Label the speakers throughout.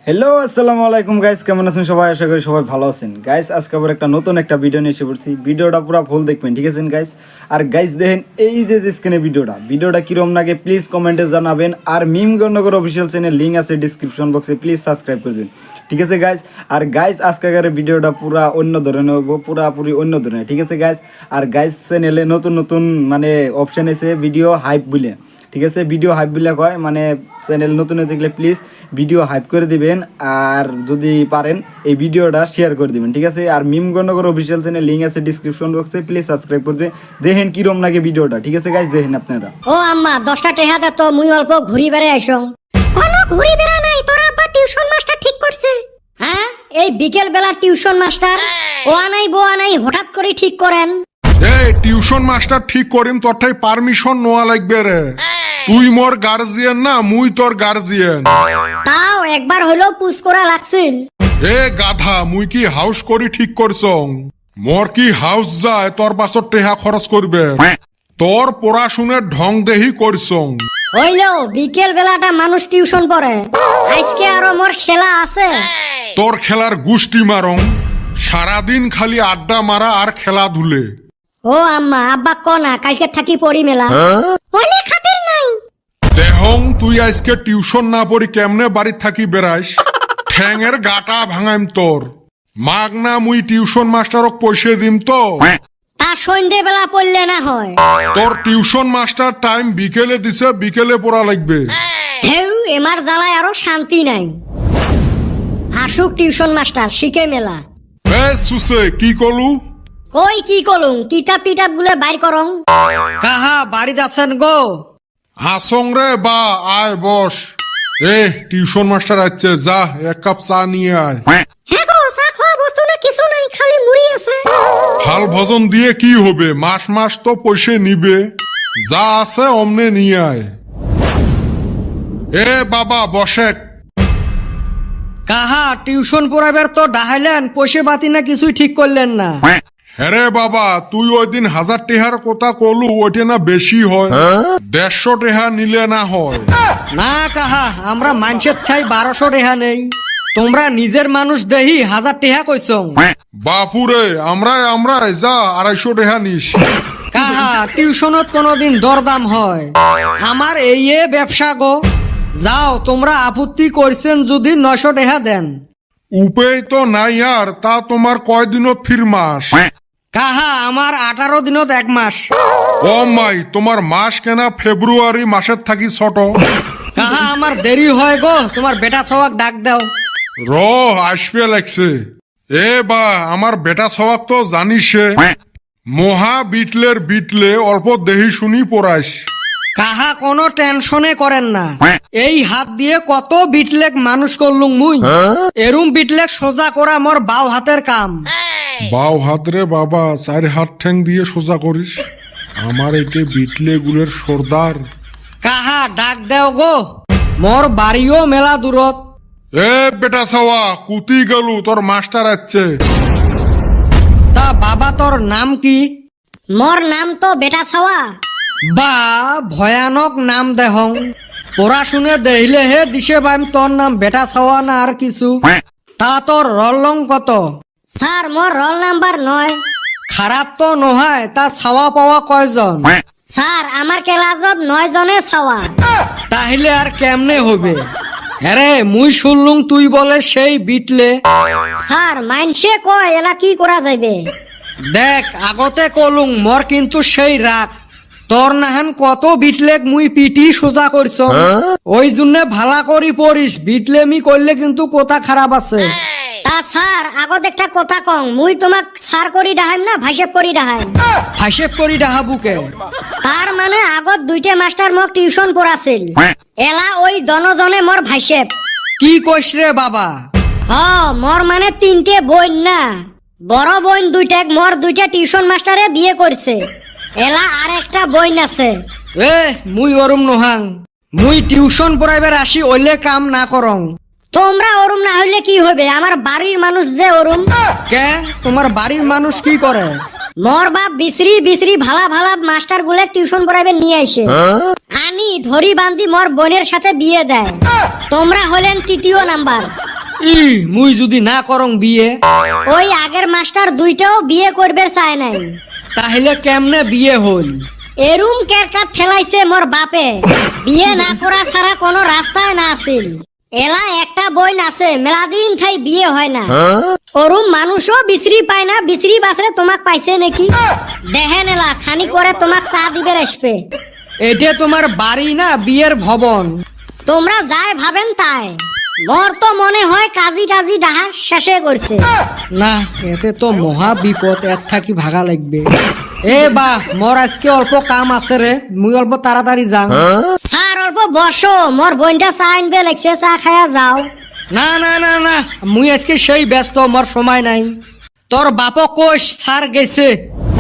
Speaker 1: Hello আসসালামু আলাইকুম guys, কেমন আছেন সবাই? আশা করি সবাই ভালো আছেন গাইস। আজকে আবার একটা নতুন একটা ভিডিও নিয়ে এসে পড়ছি। ভিডিওটা পুরো ফুল দেখবেন, ঠিক আছে গাইস? আর গাইস দেখেন এই যে স্ক্রিনে ভিডিওটা কিরম লাগে প্লিজ কমেন্টে জানাবেন। আর মিম গণনগর অফিসিয়াল চ্যানেল লিঙ্ক আছে ডিসক্রিপশন বক্সে, প্লিজ সাবস্ক্রাইব করবেন, ঠিক আছে গাইস? আর গাইস আজকের ভিডিওটা পুরা অন্য ধরনের হবো, পুরাপুরি অন্য ধরনের, ঠিক আছে গাইস? আর গাইস চ্যানেলে নতুন নতুন মানে অপশন এসে ভিডিও হাইপ বলে, ঠিক আছে? ভিডিও হাইপ বলে কয়, মানে চ্যানেল নতুন হয়ে থাকলে প্লিজ ভিডিও হাইপ করে দিবেন। আর যদি পারেন এই ভিডিওটা শেয়ার করে দিবেন, ঠিক আছে? আর মিম গণনগর অফিসিয়াল চ্যানেল লিঙ্ক আছে ডিসক্রিপশন বক্সে, প্লিজ সাবস্ক্রাইব করবেন। দেখেন কিরম লাগে ভিডিওটা, ঠিক আছে গাইস? দেখেন আপনারা।
Speaker 2: ও আম্মা 10টা টাকা দে তো, মুই অল্প ঘুরি বেড়ে আইসং। কোনো ঘুরি বেড়া নাই, তোর আব্বা টিউশন মাস্টার ঠিক করছে। হ্যাঁ, এই বিকেল বেলা টিউশন মাস্টার ও আনাই বো আনাই হঠাৎ করে ঠিক করেন।
Speaker 3: এই টিউশন মাস্টার ঠিক করিম তোরটাই পারমিশন নেওয়া লাগবে রে। তুই মোর গার্জিয়ান না, মুই তোর গার্জিয়ান।
Speaker 2: তাও একবার হইলেও পুশ করা লাগছিল।
Speaker 3: এ গাধা, মুই কি হাউস করি ঠিক করছং? মোর কি হাউস যায় তোর পাছত টেহা খরচ করবে? তোর পড়াশুনের ঢং দেহি করছং।
Speaker 2: হইলো বিকেল বেলাটা মানুষ টিউশন পড়ে, আজকে আরো মোর খেলা আছে।
Speaker 3: তোর খেলার গুষ্টি মারং, সারাদিন খালি আড্ডা মারা আর খেলা ধুলে।
Speaker 2: ও আম্মা আব্বা কনা কালকে থাকি পড়ি মেলা ওলে খাতির নাই।
Speaker 3: দেহং তুই আজকে টিউশন না পড়ি কেমনে বাড়ি থাকি বেড়াইস? ঠ্যাঙের গাটা ভাঙাইম তোর। মাগ না মুই টিউশন মাস্টারক পয়সা দিম তো।
Speaker 2: তা সন্ধ্যে বেলা পড়লে না হয়?
Speaker 3: তোর টিউশন মাস্টার টাইম বিকেলে দিছে, বিকেলে পড়া লাগবে।
Speaker 2: ঢেউ এমার জ্বালায় আরো শান্তি নাই। আসুক টিউশন মাস্টার শিখে মেলা।
Speaker 3: এ সুসে কি কলু?
Speaker 2: কই কি করুন, কিতাব টিতাব গুলো বাইর করং।
Speaker 4: কাহা বাড়িতে আছেন গো?
Speaker 3: আসং রে বা, আয় বস। এ টিউশন মাস্টার আছে, যা এক কাপ চা নিয়ে আয়।
Speaker 2: হ্যাঁ গো, চা খাওয়া বস্তু না কিছু নাই, খালি মুড়ি আছে।
Speaker 3: হাল ভজন দিয়ে কি হবে, মাস মাস তো পয়সা নিবে। যা আছে অমনে নিয়ে আয়। এ বাবা বসে।
Speaker 4: কাহা টিউশন পড়াবার তো ডাহাইলেন, পয়সা বাতি না কিছুই ঠিক করলেন না।
Speaker 3: হ্যারে বাবা, তুই ওই দিন 1000 টেহার কথা কলু, ওইটা না বেশি হয়? 150 টেহা নিলে না হয়?
Speaker 4: না কাহা, আমরা মানুষের ঠাই 1200 টেহা নেই। তোমরা নিজের মানুষ দেহি 1000 টেহা কইছ।
Speaker 3: বাপুরে, আমরাই যা 250 টেহা নিস।
Speaker 4: কাহা টিউশনত কোনদিন দরদাম হয়? আমার এই ব্যবসা গো। যাও, তোমরা আপত্তি করছেন যদি 900 টেহা দেন।
Speaker 3: উপায় তো নাই আর, তা তোমার কয়দিনত ফির মাস?
Speaker 4: কাহা আমার 18 দিনত 1 মাস।
Speaker 3: ও মাই, তোমার মাস কেনা ফেব্রুয়ারি মাসের থাকি ছোট।
Speaker 4: কাহা আমার দেরি হয় গো, তোমার বেটা সবাক ডাক দাও।
Speaker 3: র আসবে লাগছে। এ বা, আমার বেটা সবাক তো জানিসে, মহা বিটলে অল্প দেহি শুনি পড়াইস।
Speaker 4: কাহা কোনো টেনশনে করেন না, এই হাত দিয়ে কত বিটলেক মানুষ করলুম মুই। এরুম বিটলেক সোজা করা মোর বাও হাতের কাম।
Speaker 3: বাও হাত রে বাবা, 4 হাত ঠ্যাং দিয়ে সোজা করিস? আমার একে বিটলে গুলের সর্দার।
Speaker 4: কাহা ডাক দেও গো, মোর বাড়িও মেলা দূরত।
Speaker 3: এ বেটা ছাওয়া, কুতি গেলু, তোর মাস্টার আছে।
Speaker 4: তা বাবা তোর নাম কি?
Speaker 2: মোর নাম তো বেটা ছাওয়া।
Speaker 4: বা ভয়ানক নাম দেহং। পড়াশুনে দেখিলে হে দিশে বাইম তোর নাম বেটা ছাওয়া না আর কিছু। তা তোর রলং কত?
Speaker 2: স্যার মোর রোল নাম্বার 9।
Speaker 4: খারাপ তো নহায়, তা ছাওয়া পাওয়া কয়জন?
Speaker 2: স্যার আমার ক্লাসত 9 জনে ছাওয়া।
Speaker 4: তাহলে আর কেমনে হবে? আরে মুই শুনলুম তুই বলে সেই বিটলে।
Speaker 2: স্যার মাইনসে কয় এলা কি করা যাবে?
Speaker 4: দেখ আগতে কলুং মোর কিন্তু সেই রাগ। তোর নাহান কত বিটলেক মুই পিটি সোজা করছ। ওই জন্য ভালা করি পড়িস, বিটলেমি করলে কিন্তু কথা খারাপ আছে।
Speaker 2: তা স্যার আগত একটা কথা কং, মুই তোমাক স্যার করি ডাহাইম না ভাইসেপ করি ডাহাইম?
Speaker 4: হাসেব করি ডাহাবুকে।
Speaker 2: তার মানে আগত 2টে মাস্টার মোক টিউশন পড়াছিল, এলা ওই দনজনে মোর ভাইসেপ।
Speaker 4: কি কইস রে বাবা?
Speaker 2: মোর মানে 3টে বোন না, বড় বোন 2টা, মোর 2টা টিউশন মাস্টারে বিয়ে করছে, এলা আর একটা বোন আছে।
Speaker 4: এ মুই ওরম নহাং, মুই টিউশন পড়াইবার আসি ওইলে কাম না করং।
Speaker 2: তোমরা ওরম না হইলে কি হবে? আমার বাড়ির মানুষ যে ওরম।
Speaker 4: কে তোমার বাড়ির মানুষ কি করে?
Speaker 2: মোর বাপ বিশ্রী ভালা ভালা মাস্টার গুলো টিউশন পড়াইবে নিয়ে আসে, আনি ধরি বান্ধি মোর বোনের সাথে বিয়ে দেয়। তোমরা হলেন 3য় নাম্বার।
Speaker 4: মুই যদি না করং বিয়ে,
Speaker 2: ওই আগের মাস্টার দুইটাও বিয়ে করবে চায় নাই।
Speaker 4: তাহলে কেমনে বিয়ে হল?
Speaker 2: এরুম কেরকাত ফেলাইছে মোর বাপে, বিয়ে না করা ছাড়া কোনো রাস্তায় না আছিল। এলা একটা বই আছে, মেলাদিন থাই বিয়ে হয় না। ওরুম মানুষও বিশ্রি পায় না, বিশ্রি বাসরে তোমাক পাইছে নাকি? দেখেন এলা খানি করে তোমাক চা দিবে আসবে।
Speaker 4: এটা তোমার বাড়ি না বিয়ের ভবন?
Speaker 2: তোমরা যাই ভাবেন তাই, মোর তো মনে হয় কাজী টাজি ডাহা শেষে করছে।
Speaker 4: না, এতে তো মহা বিপদ, এর থাকি ভাগা লাগবে। এ বা মোর আজকে অল্প কাম আছে রে, মুই অল্প তাড়াতাড়ি যাং।
Speaker 2: স্যার অল্প বসো, মোর বোনটা চা আনবে লাগছে, চা খায়া যাও।
Speaker 4: না না না না, মুই আজকে সেই ব্যস্ত, মোর সময় নাই। তোর বাপ কোষ স্যার গেছে,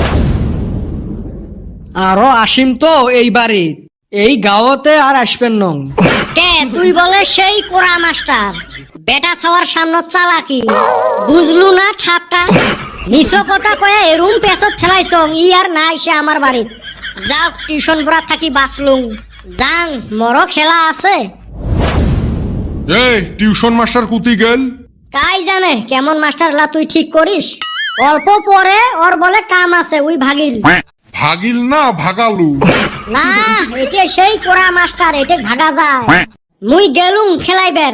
Speaker 4: আরো আসিম তো এই বাড়ি, এই গাঁৱতে আর আসবেন নং।
Speaker 2: কে তুই বলে সেই কোরা মাস্টার, বেটা ছাওয়ার সামনে চালাকি বুঝলু না ঠাপটা? নিছ কথা কয়ে এরুম পেছত ফেলাইছ, ই আর না এসে আমার বাড়িত। যাও টিউশন পড়া থাকি বাঁচলুম, যাং মরো খেলা আছে।
Speaker 3: এই টিউশন মাস্টার কুতি গেল?
Speaker 2: কাই জানে কেমন মাস্টার লা তুই ঠিক করিস। অল্প পরে ওর বলে কাম আছে, উই ভাগিল।
Speaker 3: ভাগিল না ভাগালু?
Speaker 2: না, এটা সেই কোরা মাস্টার, এটা ভাগা যায়। মুই গেলুম খেলাইবের।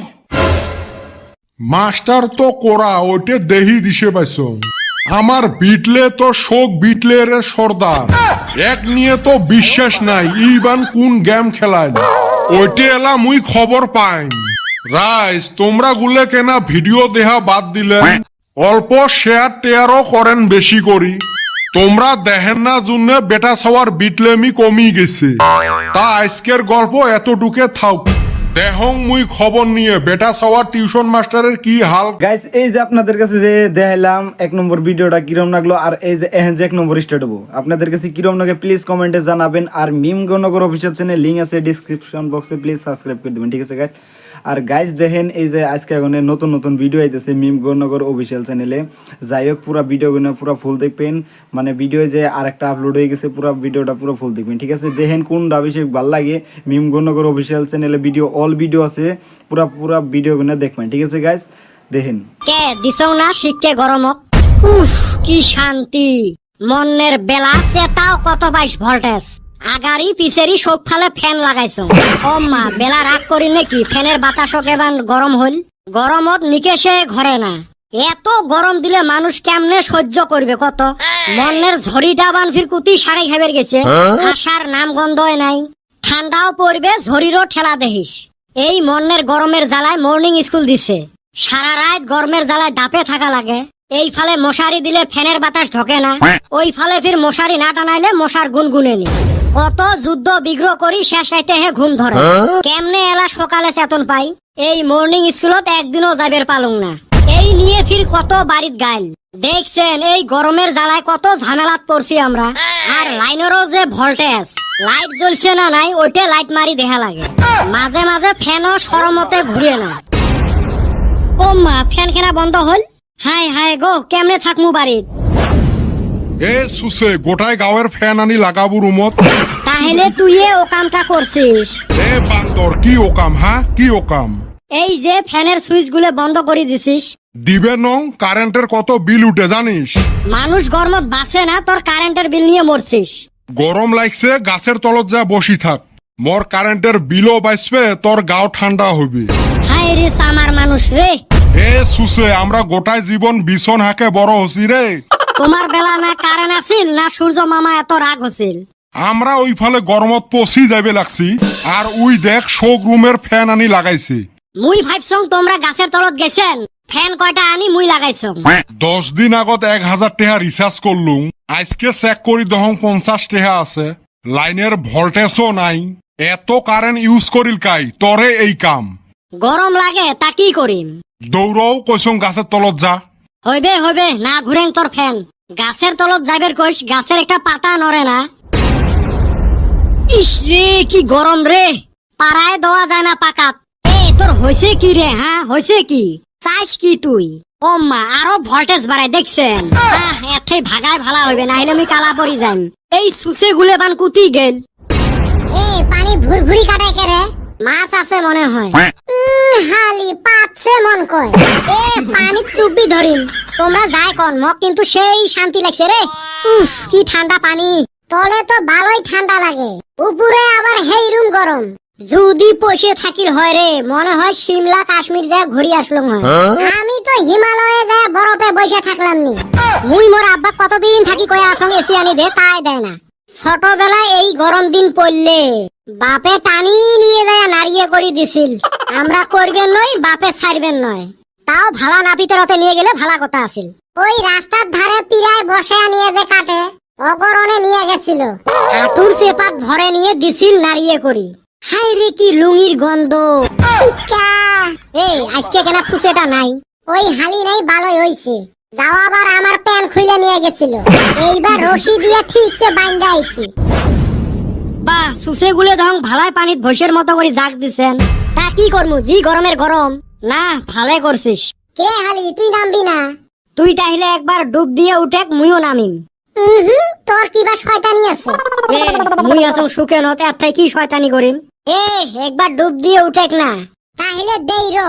Speaker 3: মাস্টার তো কোরা, ওইটে দেহি দিছে পাইছ। আমার বিটলে তো শোক বিটলে রে সর্দার, এক নিয়ে তো বিশ্বাস নাই ইবান কোন গেম খেলায়। ওইটে এলা মুই খবর পাইন। রাইস তোমরা গুলে কেনা ভিডিও দেহা বাদ দিলেন, অল্প শেয়ার টেয়ারও করেন বেশি করি। তোমরা দেখেন না জন্য বেটা ছাওয়ার বিটলেমি কমি গেছে। তা আজকের গল্প এতটুকে থাক। দেহং মুই খবর নিয়ে বেটা ছাওয়ার টিউশন মাস্টারের কি হাল।
Speaker 1: গাইস এই যে আপনাদের কাছে যে দেখাইলাম 1 নম্বর ভিডিওটা কিরম লাগলো, আর এই যে এখন যে 1 নম্বর স্টার্ট হবো আপনাদের কাছে কিরম লাগে প্লিজ কমেন্টে জানাবেন। আর মিম গণনগর অফিসিয়াল চ্যানেল লিঙ্ক আছে ডিসক্রিপশন বক্সে, প্লিজ সাবস্ক্রাইব করে দিবেন, ঠিক আছে গাইস? আর গাইস দেখেন এই যে আজকে এখন নতুন নতুন ভিডিও আইতেছে মিম গণনগর অফিসিয়াল চ্যানেলে। যাই হোক পুরো ভিডিওগুলো পুরো ফুল দেখবেন, মানে ভিডিও যে আরেকটা আপলোড হয়ে গেছে, পুরো ভিডিওটা পুরো ফুল দেখবেন, ঠিক আছে? দেখেন কোনটা বেশি ভালো লাগে। মিম গণনগর অফিসিয়াল চ্যানেলে ভিডিও অল ভিডিও আছে, পুরো ভিডিওগুলো দেখবেন, ঠিক আছে গাইস? দেখেন
Speaker 2: কে দিছও না শিখকে গরমক। উফ কি শান্তি, মনের বেলা চেতাও কত 22 ভোল্টেজ। আগারি পিছেরি সব ফালে ফ্যান লাগাইছো। ও মা বেলা রাগ করি নাকি, ফ্যানের বাতাসও কেবান গরম হল। গরমত নিকেশে ঘরে না, এত গরম দিলে মানুষ কেমনে সহ্য করবে কত? মনের ঝড়িটা বান ফির কুতি সাড়ে খাবার গেছে, আসার নাম গন্ধই নাই। ঠান্ডাও পড়বে, ঝড়িরও ঠেলা দেখিস। এই মনের গরমের জ্বালায় মর্নিং স্কুল দিছে, সারা রাত গরমের জ্বালায় দাপে থাকা লাগে। এই ফালে মশারি দিলে ফ্যানের বাতাস ঢোকে না, ওই ফালে ফির মশারি না টানাইলে মশার গুনগুনে নি। কত যুদ্ধ বিগ্রহ করি শেষ আইতে হে ঘুম ধরে। কেমনে এলা সকালে চেতন পাই, এই মর্নিং স্কুলত একদিনও যাবের পালুং না। এই নিয়ে ফির কত বাড়িত গাইল। দেখছেন এই গরমের জ্বালায় কত ঝামেলাত পড়ছি আমরা। আর লাইনেরও যে ভোল্টেজ, লাইট জ্বলছে না নাই ওইটা লাইট মারি দেখা লাগে। মাঝে মাঝে ফ্যানও সরমতে ঘুরে না। ও মা ফ্যান কেনা বন্ধ হল। হাই হাই গো কেমনে থাকমু বাড়িত?
Speaker 3: এ সুসে গোটায় গাঁয়ের ফ্যান আনি লাগাবো রুমত।
Speaker 2: তাহলে তুই ও কামটা করছিস?
Speaker 3: এ বান্দর কি ওকাম, হ্যাঁ কি ওকাম?
Speaker 2: এই যে ফ্যানের সুইচ গুলো বন্ধ করে দিছিস।
Speaker 3: দিবে নং, কারেন্টের কত বিল উঠে জানিস?
Speaker 2: মানুষ গরমত বাঁচে না, তোর কারেন্টের বিল নিয়ে মরছিস।
Speaker 3: গরম লাগছে গাছের তলত যা বসি থাক, মোর কারেন্টের বিলও বাঁচবে, তোর গাও ঠান্ডা হইবে।
Speaker 2: হাই রে সামার মানুষ রে।
Speaker 3: এ সুসে আমরা গোটায় জীবন বিছন হাকে বড় হসি রে।
Speaker 2: তোমার বেলা না কারেন্ট আছিল না সূর্য মামা এত রাগ হছিল।
Speaker 3: আমরা ওই ফলে গরমত পচি যাবে লাগছি, আর উই দেখ শোক রুমের ফ্যান আনি লাগাইছে।
Speaker 2: মুই ভাবছং তোমরা গাছের তলত গেছেন, ফ্যান কয়টা আনি মুই লাগাইছং।
Speaker 3: 10 দিন আগত 1000 টাকা রিচার্জ করলুম, আজকে চেক করি দহং 50 টাকা আছে। লাইনের ভোল্টেজও নাই, এত কারেন্ট ইউজ করিল কাই তরে এই কাম।
Speaker 2: গরম লাগে তা কি করিম?
Speaker 3: দৌড়ও কইসং গাছের তলত যা।
Speaker 2: হইবে হইবে না ঘুরেন তোর ফ্যান। গাছের তলত যাইবের কইস, গাছের একটা পাতা নড়ে না। ইস রে কি গরম রে, পাড়ায় দেওয়া যায় না পাকাত। এ তোর হইছে কি রে, হ্যাঁ হইছে কি? চাইস কি তুই? ও মা আরো ভোল্টেজ বাড়াই দেখছেন। এতে ভাগায় ভালা হইবে, না হলে আমি কালা পড়ি যাই। এই সুসে গুলে বান কুতি গেল। এ পানি ভুরভুরি কাটাই করে মাছ আছে মনে হয় হালি পাচ্ছে মন কয় এ পানি চুপি ধরিম তোমরা যাই কোন মক কিন্তু সেই শান্তি লাগছে রে কি ঠান্ডা পানি তলে তো ভালোই ঠান্ডা লাগে উপরে আবার হেইরুম গরম যদি পয়সা থাকিল হয় রে মনে হয় সিমলা কাশ্মীর যা ঘুরি আসলাম হয় আমি তো হিমালয়ে যা বরফে বসে থাকলাম নি মুই মোর আব্বা কতদিন থাকি কয়ে আসং এসি আনি দে তাই দেয় না ছোটবেলায় এই গরম দিন পড়লে বাপে টানি নিয়ে যায় নাড়িয়ে করি দিছিল আমরা করবেন নয় বাপে ছাড়বেন নয় তাও ভালা নাপিতের রতে নিয়ে গেলে ভালা কথা আছিল ওই রাস্তার ধারে পিড়ায় বসে নিয়ে যে কাটে অগরণে নিয়ে গেছিল হাঁটুর চেপাত ভরে নিয়ে দিছিল নাড়িয়ে করি হাই রে কি লুঙ্গির গন্ধ শিক্ষা এই আজকে কেন সুসেটা নাই ওই হালি নাই ভালোই হইছে যাও আবার আমার প্যান খুলে নিয়ে গেছিল এইবার রশি দিয়ে ঠিকছে বাইন্ধা আইছি বাহ সুসে গুলে ধং ভালাই পানিত ভৈসের মতো করে জাগ দিছেন তা কি করমু জি গরমের গরম না ভালে করছিস কে হালি তুই নামবি না তুই তাহলে একবার ডুব দিয়ে উঠেক মুইও নামিম তোর কি বা শয়তানি আছে এ মুই আসং সুখে নতে আত্মাই কি শয়তানি করিম এ একবার ডুব দিয়ে উঠেক না তাহলে দেই রো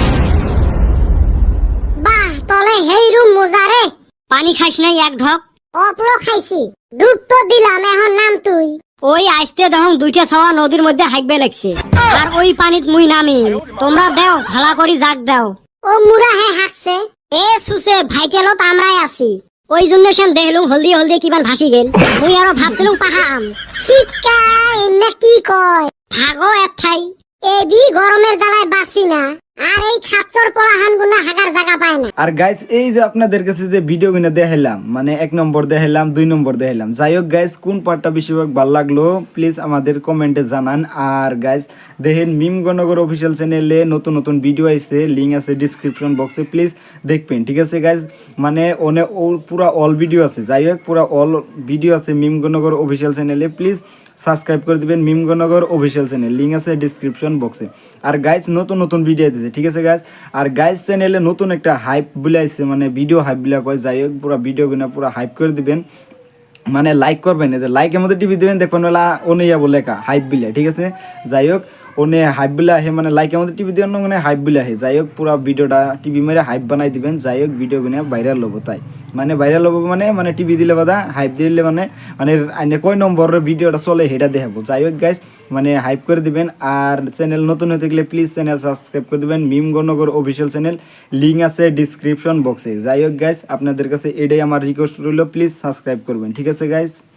Speaker 2: বাহ তলে হেই রুম মজারে পানি খাইস নাই এক ঢক অপলো খাইছি ডুব তো দিলাম এখন নাম তুই ওই আইসতে দেখুন দুইটা ছাওয়া নদীর মধ্যে হাইকবে লাগছে আর ওই পানিত মুই নামি তোমরা দেও ভালা করি জাগ দাও ও মুরা হে হাকছে এ সুসে ভাইকেলত আমরাই আছি ওই জন্য সেন দেখলুম হলদি হলদি কিমান ভাসি গেল মুই আরো ভাবছিলুম পাহাম শিক্ষা এনে কি কয় ভাগো এথাই এবি গরমের জ্বালায় বাসি না আর এই খাচ্চর পোলাহান গুনা হাগার জায়গা পায় না
Speaker 1: আর গাইস এই যে আপনাদের কাছে যে ভিডিও গুলো দেখাইলাম মানে 1 নম্বর দেখাইলাম 2 নম্বর দেখাইলাম যাই হোক গাইস কোন পার্টটা বেশিরভাগ ভালো লাগলো প্লিজ আমাদের কমেন্টে জানান আর গাইস দেখেন মিম গণগর অফিসিয়াল চ্যানেলে নতুন নতুন ভিডিও আইছে লিংক আছে ডেসক্রিপশন বক্সে প্লিজ দেখবেন ঠিক আছে গাইস মানে ওনে পুরো অল ভিডিও আছে যাই হোক পুরো অল ভিডিও আছে মিম গণগর অফিসিয়াল চ্যানেলে প্লিজ সাবস্ক্রাইব করে দিবেন মিম গণগর অফিসিয়াল চ্যানেল লিংক আছে ডেসক্রিপশন বক্সে আর গাইস নতুন নতুন ভিডিও দিতেছে ঠিক আছে গাইস আর গাইস চ্যানেলে নতুন একটা হাইপ বলে আইছে মানে ভিডিও হাইপ বলে কয় যাই হোক পুরো ভিডিও গুলো পুরো হাইপ করে দিবেন মানে লাইক করবেন এই যে লাইকের মধ্যে টিপি দিবেন দেখবেন ওলা ওনেয়া বলে লেখা হাইপ বিলে ঠিক আছে যাই হোক ওনে হাইপ বিলে আহে মানে লাইকের মধ্যে টিপি দিবেন মানে হাইপ বিলে আহে যাই হোক পুরো ভিডিওটা টিভি মেরে হাইপ বানাই দিবেন যাই হোক ভিডিও গুলো ভাইরাল হবো তাই মানে ভাইরাল হবো মানে টিভি দিলে বাদা হাইপ দিলে মানে আইনে কয় নম্বরের ভিডিওটা চলে সেটা দেখাবো যাই হোক গাইস মানে হাইপ করে দিবেন আর চ্যানেল নতুন হতে গেলে প্লিজ চ্যানেল সাবস্ক্রাইব করে দিবেন মিম গণগর অফিসিয়াল চ্যানেল লিংক আছে ডেসক্রিপশন বক্সে যাই হোক গাইস আপনাদের কাছে এটাই আমার রিকোয়েস্ট রইল প্লিজ সাবস্ক্রাইব করবেন ঠিক আছে গাইস।